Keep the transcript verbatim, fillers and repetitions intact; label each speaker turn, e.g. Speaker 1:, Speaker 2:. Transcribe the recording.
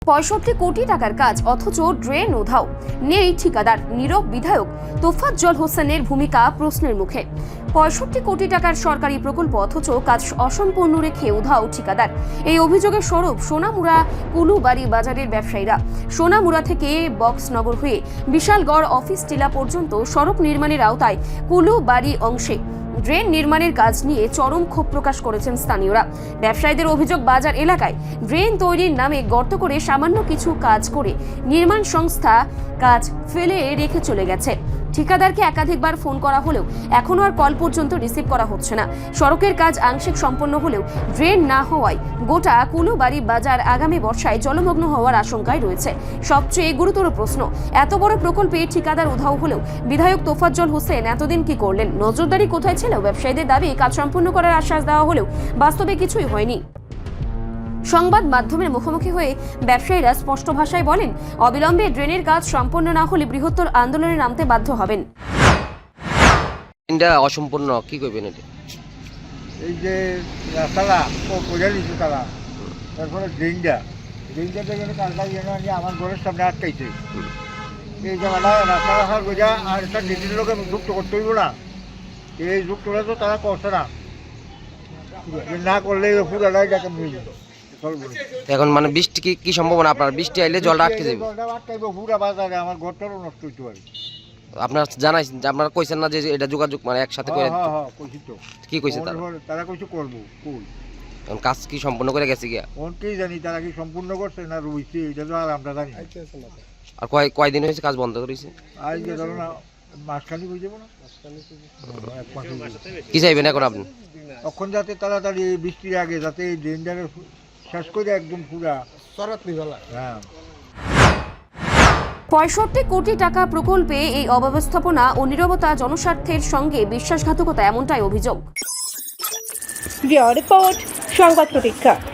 Speaker 1: পঁয়ষট্টি কোটি টাকার কাজ অথচ ড্রেন উধাও, নেই ঠিকাদার। নীরব বিধায়ক তোফাজ্জল হোসেনের ভূমিকা প্রশ্নের মুখে। পঁয়ষট্টি কোটি টাকার সরকারি প্রকল্প অথচ কাজ অসম্পূর্ণ রেখে উধাও ঠিকাদার। এই অভিযোগের স্বরূপ সোনামুড়া কুলুবাড়ি বাজারের ব্যবসায়ীরা। সোনামুড়া থেকে বক্সনগর হয়ে বিশালগড় অফিস টিলা পর্যন্ত সড়ক নির্মাণের আওতায় কুলুবাড়ি অংশে ড্রেন নির্মাণের কাজ নিয়ে চরম ক্ষোভ প্রকাশ করেছেন স্থানীয়রা। ব্যবসায়ীদের অভিযোগ, বাজার এলাকায় ড্রেন তৈরির নামে গর্ত করে সামান্য কিছু কাজ করে নির্মাণ সংস্থা কাজ ফেলে রেখে চলে গেছে। ঠিকাদারকে একাধিকবার ফোন করা হলেও এখনও আর কল পর্যন্ত রিসিভ করা হচ্ছে না। সড়কের কাজ আংশিক সম্পন্ন হলেও ড্রেন না হওয়ায় গোটা কুলুবাড়ি বাজার আগামী বর্ষায় জলমগ্ন হওয়ার আশঙ্কায় রয়েছে। সবচেয়ে গুরুতর প্রশ্ন, এত বড় প্রকল্পে ঠিকাদার উধাও হলেও বিধায়ক তোফাজ্জল হোসেন এতদিন কি করলেন? নজরদারি কোথায় ছিল? ব্যবসায়ীদের দাবি কাজ সম্পূর্ণ করার আশ্বাস দেওয়া হলেও বাস্তবে কিছুই হয়নি। সংবাদ মাধ্যমের মুখোমুখি হয়ে ব্যবসায়ীরা স্পষ্ট ভাষায় বলেন, অবিলম্বে ড্রেনের কাজ সম্পন্ন না হলে বৃহত্তর আন্দোলনে নামতে বাধ্য হবেন।
Speaker 2: এটা অসম্পূর্ণ, কি করবেন? এটা
Speaker 3: এই যে রাস্তাটা ও বোঝা দিচ্ছে তারা, তারপরে ড্রেনটা ড্রেনটা থেকে কালটা যেন আমার ঘরের সামনে আটকাইছে। এই জায়গাটা রাস্তা রাখার বোঝা আর একটা ড্রেনের লোকে যুক্ত করতে হইব না। এই যুক্তটা তো তারা করছে না, না করলে পুরাটাই যাকে মিলে যেত।
Speaker 2: এখন মানে বৃষ্টি কি কি সম্ভাবনা? আপনার বৃষ্টি আইলে জলটা আটকে যাবে?
Speaker 3: জলটা আটকাইব পুরা বাজারে, আমার ঘরটারও নষ্ট হইতে পারে।
Speaker 2: আপনার জানাইছেন, আপনারা কইছেন না যে এটা যোগাযোগ মানে একসাথে করে?
Speaker 3: হ্যাঁ হ্যাঁ কইছি তো।
Speaker 2: কি কইছে তারা?
Speaker 3: তারা কইছে করবো। কই
Speaker 2: এখন কাজ কি সম্পূর্ণ করে গেছে গিয়া?
Speaker 3: অনেকেই জানি তারা কি সম্পূর্ণ করছে না রুইছে, এটা তো আর আমরা জানি।
Speaker 2: আর কয় কয়দিন হয়েছে কাজ বন্ধ করেছে?
Speaker 3: আজ যে ধরো না মাসখানি হয়ে যাবো না,
Speaker 2: কি চাইবেন এখন আপনি?
Speaker 3: তখন যাতে তাড়াতাড়ি বৃষ্টির আগে যাতে এই ড্রেনটারে শেষ করে একদম পুরা সরাত নিবেলা। হ্যাঁ,
Speaker 1: পঁয়ষট্টি কোটি টাকা প্রকল্পে এই অব্যবস্থাপনা ও নীরবতা জনস্বার্থের সঙ্গে বিশ্বাসঘাতকতা, এমনটাই অভিযোগ।
Speaker 4: রিপোর্ট সংবাদ প্রতীক্ষা।